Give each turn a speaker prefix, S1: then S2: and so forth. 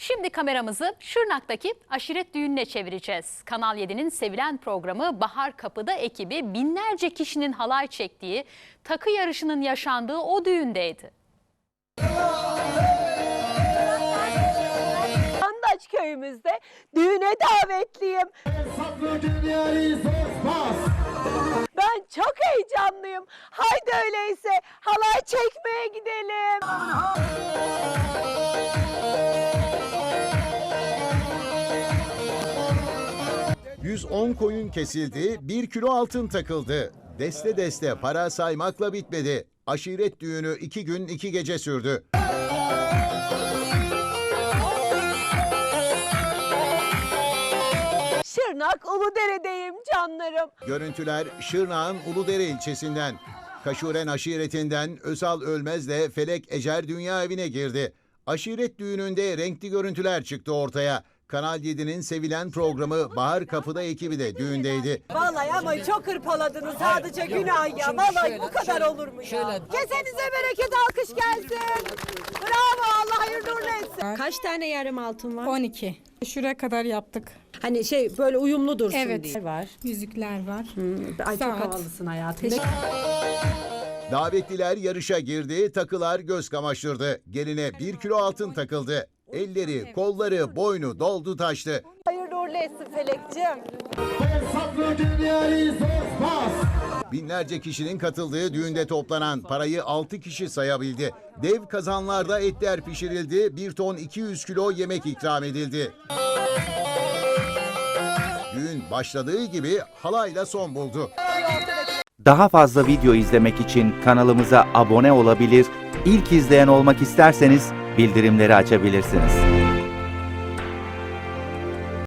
S1: Şimdi kameramızı Şırnak'taki aşiret düğününe çevireceğiz. Kanal 7'nin sevilen programı Bahar Kapı'da ekibi binlerce kişinin halay çektiği, takı yarışının yaşandığı o düğündeydi.
S2: Andaç köyümüzde düğüne davetliyim. Ben çok heyecanlıyım. Haydi öyleyse halay çekmeye gidelim.
S3: 110 koyun kesildi, 1 kilo altın takıldı. Deste deste para saymakla bitmedi. Aşiret düğünü 2 gün 2 gece sürdü.
S2: Şırnak Uludere'deyim canlarım.
S3: Görüntüler Şırnak'ın Uludere ilçesinden. Kaşuren aşiretinden Özal Ölmez'le Felek Ecer Dünya Evi'ne girdi. Aşiret düğününde renkli görüntüler çıktı ortaya. Kanal 7'nin sevilen programı Bahar Kapı'da ekibi de düğündeydi.
S2: Vallahi ama çok hırpaladınız sadece günah ya. Vallahi bu kadar olur mu ya? Kesenize bereket, alkış gelsin. Bravo, Allah hayırlı uğurlu etsin. Kaç tane yarım altın var?
S4: 12. Şuraya kadar yaptık.
S2: Hani böyle uyumlu dursun
S4: Evet.
S2: diye. Var.
S4: Yüzükler var.
S2: Ay çok
S4: Saat.
S2: havalısın hayatım.
S3: Davetliler yarışa girdi, takılar göz kamaştırdı. Geline 1 kilo altın takıldı. Elleri, kolları, boynu doldu taştı.
S2: Hayırlı uğurlu etsin Felekciğim.
S3: Binlerce kişinin katıldığı düğünde toplanan parayı 6 kişi sayabildi. Dev kazanlarda etler pişirildi, 1 ton 200 kilo yemek ikram edildi. Düğün başladığı gibi halayla son buldu.
S5: Daha fazla video izlemek için kanalımıza abone olabilir, ilk izleyen olmak isterseniz bildirimleri açabilirsiniz.